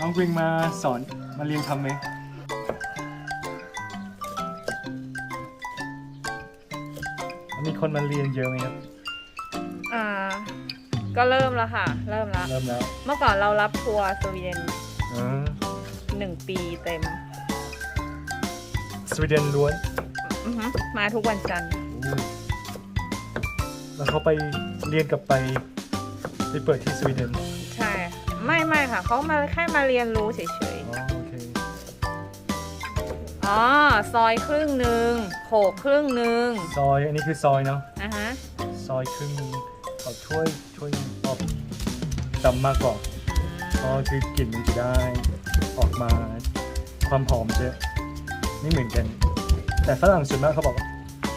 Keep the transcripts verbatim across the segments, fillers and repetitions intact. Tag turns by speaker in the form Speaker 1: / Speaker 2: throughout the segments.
Speaker 1: องกริงมาสอนมาเรียนทำไหมมีคนมาเรียนเยอะไหมครับ
Speaker 2: อ่าก็เริ่มแล้วค่ะเริ่มแล้ว
Speaker 1: เริ่มแล้ว
Speaker 2: เมื่อก่อนเรารับทัวร์สวีเดนหนึ่งปีเต็ม
Speaker 1: สวีเดนล้วน
Speaker 2: มาทุกวันจันทร์
Speaker 1: แล้วเขาไปเรียนกับไปไปเปิดที่สวีเดน
Speaker 2: ใช่ไม่ไม่ค่ะเขามาแค่มาเรียนรู้เฉยๆ
Speaker 1: อ๋อโอเค
Speaker 2: อ๋อซอยครึ่งหนึ่งโขกครึ่งหนึ่ง
Speaker 1: ซอยอันนี้คือซอยเนาะ
Speaker 2: อ่ะฮะ
Speaker 1: ซอยครึ่งนึงเอาช่วยช่วยออกดำมากกว่าเพราะคือกลิ่นมันจะได้ออกมาความหอมจะไม่เหมือนกันแต่ฝรั่งส่วนมากเขาบอกว่า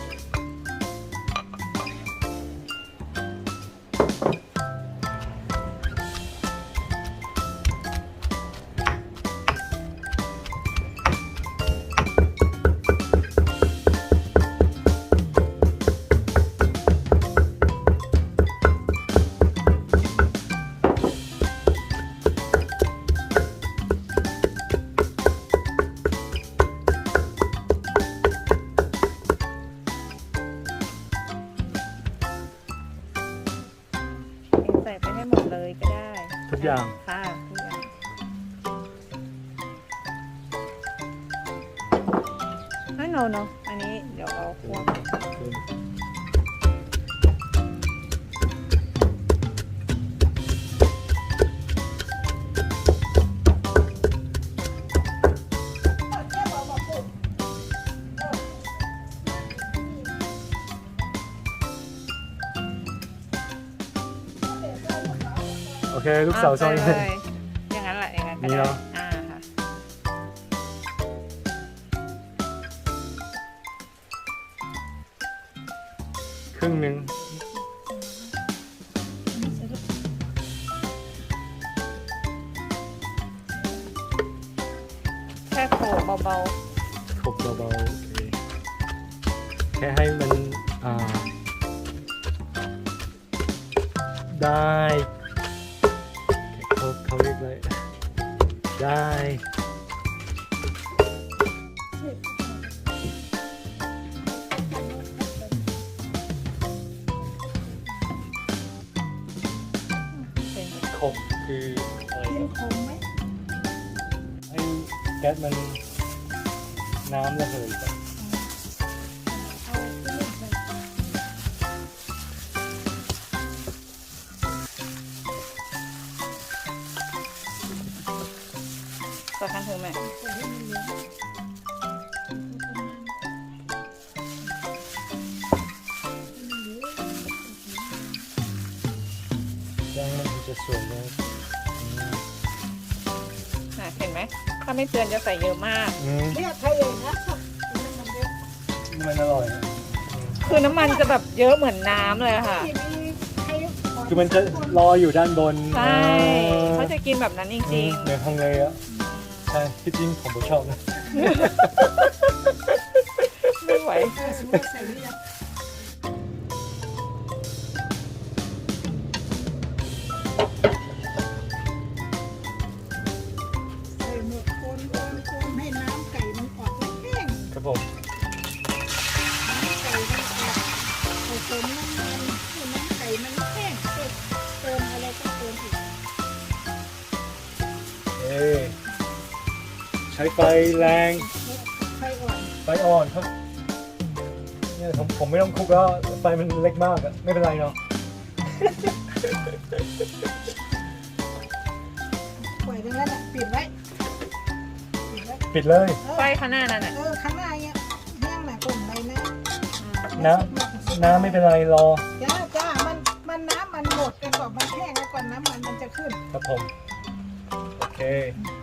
Speaker 2: ใส่ไปให้หมดเลยก็ได้
Speaker 1: ทุกอย่าง
Speaker 2: ค่ะทุกอย่างไม่โนโนอันนี้เดี๋ยวเอาคั่ว
Speaker 1: โอเคลูกสาวซอย
Speaker 2: เลยอย่างนั้นแหละอย่างนั้นก็ได้อ่าค่ะ
Speaker 1: ครึ่งหนึ่ง
Speaker 2: แค่โขลกเบา
Speaker 1: ๆโขลกเบาๆโอเคแค่ให้มันอ่าได้เขาเขาเรียกอะไรได้ขบคืออะไรครับให้แก๊สมันน้ำระเหยไป
Speaker 2: ก็ขั้นถึงไหม
Speaker 1: ย่างมันจะสวยเลย
Speaker 2: เห็นไหมถ้าไม่เตือนจะใส่เยอะมาก
Speaker 3: เนี่ยใครเองนะ
Speaker 1: มันอร่อย
Speaker 2: คือน้ำมันจะแบบเยอะเหมือนน้ำเลยค่ะ
Speaker 1: คือมันจะรออยู่ด้านบน
Speaker 2: ใช่เขาจะกินแบบนั้นจริงๆ
Speaker 1: เหมือนทางเลยอ่ะใช่ที่จริงผมก็ชอบนะ
Speaker 2: ไม่ไหว
Speaker 3: ให้น้ำไก่มันออกแห้ง
Speaker 1: ครับผม
Speaker 3: น้ำไก่มันออกผสมน้ำมันให้น้ำไก่มันแห้งเติมอะไรก็เติมอีก
Speaker 1: เอ๊ใช้ไฟแรง
Speaker 3: ไฟอ่อน
Speaker 1: ไฟอ่อนครับเนี่ยผมผมไม่ต้องคลุกแล้วไฟมันเล็กมากอะไม่เป็นไรเนาะ
Speaker 3: ปล่อยตรงนั้นอ่ะปิดไว้
Speaker 1: ปิดเลย
Speaker 2: ไฟข้างหน้านั่นแหละ
Speaker 3: เออข้างหน้าเนี่ยแห้งหนักกลุ่มเลยนะ
Speaker 1: น้ำน้ำไม่เป็นไรรอ
Speaker 3: จ้าจ้ามันมันน้ำมันหมดกันก่อนมันแห้งแล้วก่อนน้ำมันมันจะขึ้น
Speaker 1: ครับผมโอเค